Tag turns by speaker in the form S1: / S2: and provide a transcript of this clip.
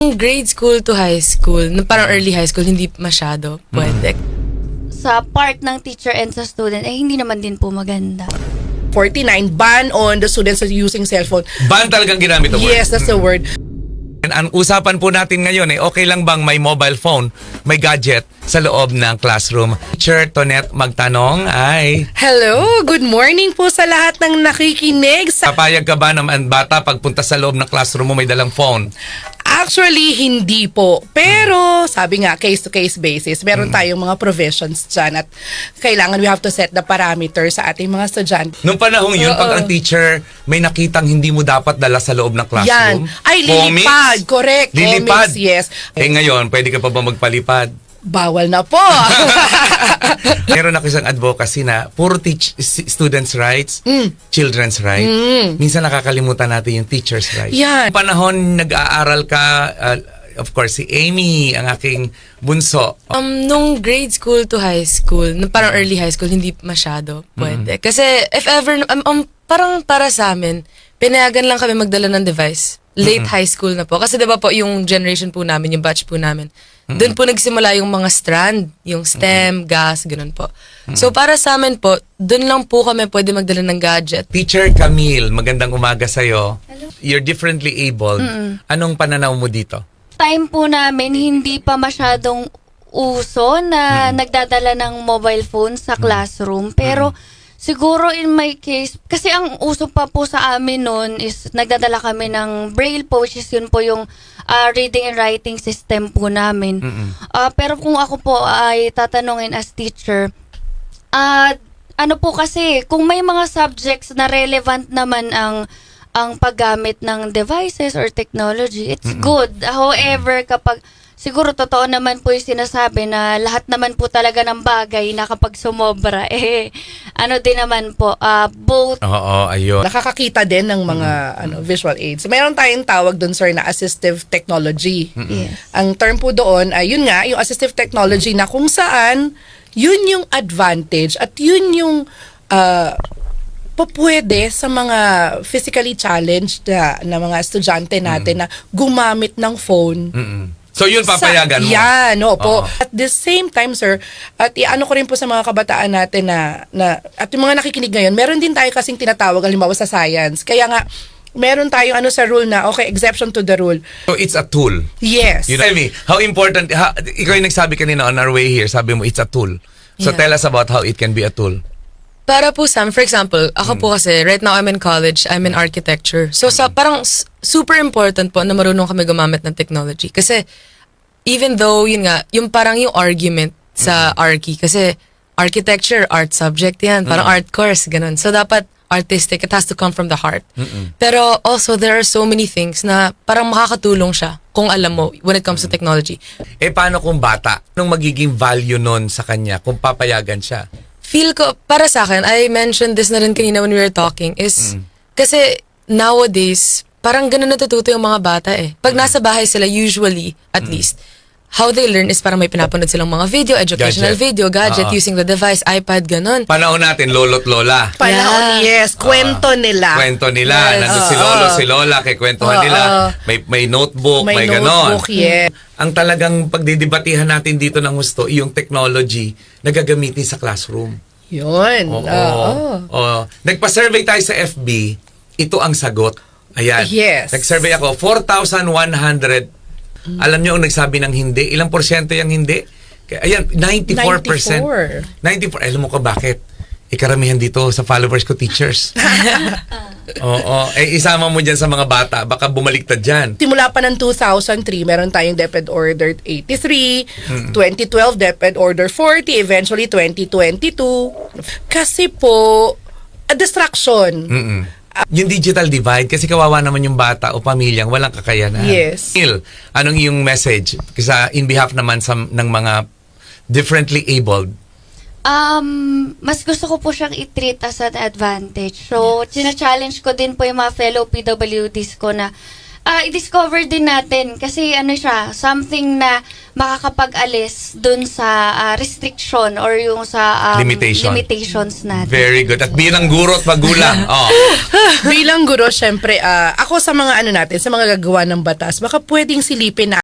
S1: Grade school to high school, parang early high school, hindi masyado pwede.
S2: Sa part ng teacher and sa student, hindi naman din po maganda.
S3: 49, ban on the students using cellphone.
S4: Ban talagang ginamit ang word.
S3: Yes, that's the word.
S4: Ang usapan po natin ngayon okay lang bang may mobile phone, may gadget sa loob ng classroom? Teacher Tonette magtanong ay,
S3: Hello, good morning po sa lahat ng nakikinig.
S4: papayag ka ba naman bata pagpunta sa loob ng classroom mo may dalang phone?
S3: Actually, hindi po. Pero, sabi nga, case-to-case basis, meron tayong mga provisions dyan at kailangan we have to set the parameters sa ating mga estudyante.
S4: Nung panahong yun, pag ang teacher may nakitang hindi mo dapat dala sa loob ng classroom,
S3: Yan. Ay, lilipad. Correct.
S4: Lilipad.
S3: Comics, yes.
S4: Ngayon, pwede ka pa ba magpalipad?
S3: Bawal na po.
S4: Meron ako isang advocacy na puro students' rights, children's rights. Minsan nakakalimutan natin yung teachers' rights.
S3: Yan.
S4: Panahon nag-aaral ka, of course, si Amy, ang aking bunso.
S1: Nung grade school to high school, parang early high school, hindi masyado pwede. Kasi if ever, parang para sa amin, pinayagan lang kami magdala ng device. Late high school na po. Kasi diba po, yung generation po namin, yung batch po namin, doon po nagsimula yung mga strand, yung STEM, gas, ganun po. So para sa amin po, doon lang po kami pwede magdala ng gadget.
S4: Teacher Camille, magandang umaga sa'yo. You're differently abled. Anong pananaw mo dito?
S2: Time po namin, hindi pa masyadong uso na nagdadala ng mobile phone sa classroom. Pero siguro in my case, kasi ang uso pa po sa amin noon is nagdadala kami ng braille po, which is yun po yung reading and writing system po namin. Pero kung ako po ay tatanungin as teacher, ano po kasi, kung may mga subjects na relevant naman ang paggamit ng devices or technology, it's good. However, kapag siguro totoo naman po yung sinasabi na lahat naman po talaga ng bagay na kapag sumobra, ano din naman po, both.
S4: Oo, ayun.
S3: Nakakakita din ng mga visual aids. Meron tayong tawag doon, sir, na assistive technology.
S2: Yes.
S3: Ang term po doon ay yun nga, yung assistive technology na kung saan yun yung advantage at yun yung pwede sa mga physically challenged na mga estudyante natin na gumamit ng phone.
S4: So yun papayagan mo?
S3: Yan, opo.
S4: Oo.
S3: At the same time, sir, at iano ko rin po sa mga kabataan natin na at yung mga nakikinig ngayon, meron din tayo kasing tinatawag, halimbawa sa science. Kaya nga, meron tayong sa rule na, okay, exception to the rule.
S4: So it's a tool.
S3: Yes.
S4: You know, Amy, how important, ikaw yung nagsabi kanina on our way here, sabi mo, it's a tool. So
S1: Yeah.
S4: tell us about how it can be a tool.
S1: Para po Sam, for example, ako po kasi, right now I'm in college, I'm in architecture. So parang super important po na marunong kami gumamit ng technology. Kasi even though, yun nga, yung parang yung argument sa Archi, kasi architecture, art subject yan, parang art course, ganun. So dapat artistic, it has to come from the heart. Pero also, there are so many things na parang makakatulong siya kung alam mo when it comes to technology.
S4: Paano kung bata? Anong magiging value nun sa kanya kung papayagan siya?
S1: Feel ko, para sa akin, I mentioned this na rin kanina when we were talking, is kasi nowadays, parang ganun natututo yung mga bata eh. Pag nasa bahay sila, usually, at least, how they learn is parang may pinapanood silang mga video, educational
S4: Gadget.
S1: video, gadget, using the device, iPad, ganun.
S4: Panahon natin, lolo't lola.
S3: Panahon, yes. Kwento nila.
S4: Kwento nila.
S1: Yes.
S4: Nandun si lolo, si lola, kay kwentuhan nila. May notebook, may ganon.
S3: notebook, yes.
S4: Ang talagang pagdidibatihan natin dito ng gusto, yung technology na gagamitin sa classroom.
S3: Yun.
S4: Oo. Nagpa-survey tayo sa FB, ito ang sagot. Ayan.
S3: Yes.
S4: Nag-survey ako, 4,100. Alam niyo ang nagsabi ng hindi? Ilang porsyento yung hindi? Ayan, 94%. 94. Alam mo ko bakit? Karamihan dito sa followers ko, teachers. Oo. Isama mo dyan sa mga bata, baka bumaliktad dyan.
S3: Simula pa ng 2003, meron tayong DepEd Order 83, 2012 DepEd Order 40, eventually 2022. Kasi po, a distraction.
S4: Yung digital divide, kasi kawawa naman yung bata o pamilyang walang kakayanan.
S3: Yes.
S4: Neil, anong yung message? Kasi in behalf naman ng mga differently abled.
S2: Mas gusto ko po siyang i-treat as an advantage. So, challenge ko din po yung mga fellow PWDs ko na i-discover din natin kasi ano siya, something na makakapag-alis dun sa restriction or yung sa limitations natin.
S4: Very good. At bilang guro at magulang.
S3: Bilang guro, syempre, ako sa mga ano natin, sa mga gagawa ng batas, baka pwedeng silipin na